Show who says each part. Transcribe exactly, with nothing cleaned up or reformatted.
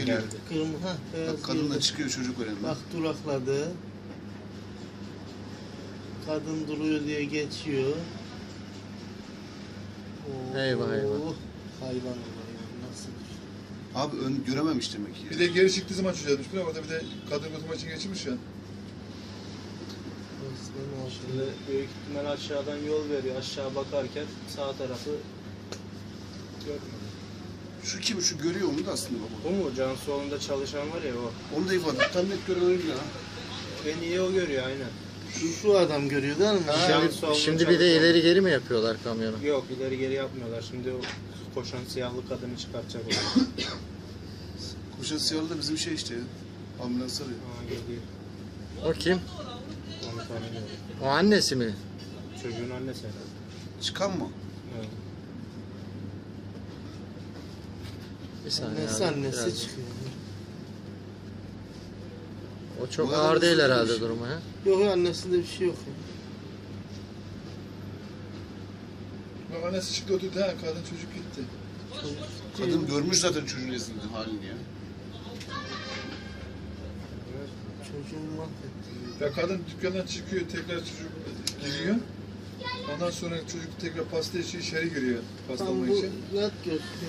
Speaker 1: geliyor.
Speaker 2: Kırmızı, ha, beyaz
Speaker 1: Bak kadın da
Speaker 2: girdi.
Speaker 1: çıkıyor çocuk önünden.
Speaker 2: Bak durakladı. Kadın duruyor diye geçiyor. Oo,
Speaker 3: Eyvah, eyvah.
Speaker 2: Hayvan hayvan nasıl?
Speaker 1: Abi ön görememiş demek ki.
Speaker 4: Bir de geri çıktığı zaman çocuğa düşmüş. Orada bir de kadın götürmek için geçirmiş ya.
Speaker 2: Resmen o.
Speaker 5: Şimdi büyük ihtimal aşağıdan yol veriyor. Aşağı bakarken sağ tarafı görmüyor.
Speaker 1: Şu kim? Şu görüyor onu da aslında baba.
Speaker 5: Bu mu? Cansuoğlu'nda çalışan var ya o.
Speaker 1: Onu da ifade. Tam net gören oydu ya.
Speaker 5: En iyi o görüyor aynen.
Speaker 2: Şu, şu adam görüyor değil mi?
Speaker 5: Cansuoğlu'nda
Speaker 3: Şimdi bir de
Speaker 5: çalışan.
Speaker 3: ileri geri mi yapıyorlar kamyonu?
Speaker 5: Yok ileri geri yapmıyorlar. Şimdi o koşan siyahlı kadını çıkartacak o.
Speaker 1: Koşan siyahlı da bizim şey işte ya. Ambulans arıyor.
Speaker 5: Aa geliyor.
Speaker 3: O kim?
Speaker 5: Onu tanımıyorum.
Speaker 3: O annesi mi?
Speaker 5: Çocuğun annesi herhalde.
Speaker 1: Çıkan mı?
Speaker 5: Evet.
Speaker 3: Bir saniye
Speaker 2: Annesi
Speaker 3: abi,
Speaker 2: annesi
Speaker 3: biraz-
Speaker 2: çıkıyor.
Speaker 3: O çok
Speaker 1: Bu kadar
Speaker 3: ağır değil
Speaker 1: hızlı
Speaker 3: herhalde
Speaker 1: değilmiş.
Speaker 3: durumu ha.
Speaker 2: Yok ya annesinde bir şey yok ya.
Speaker 4: Bak annesi çıktı oturdu ha. Kadın çocuk gitti.
Speaker 1: Kadın görmüş zaten çocuğun esninde halini ya.
Speaker 2: Çocuğun mahvetti.
Speaker 4: Ya kadın dükkandan çıkıyor, tekrar çocuk giriyor. Ondan sonra çocuk tekrar pasta için içeri giriyor. Pasta
Speaker 2: Tam
Speaker 4: almak
Speaker 2: bu
Speaker 4: için.
Speaker 2: net gösteriyor.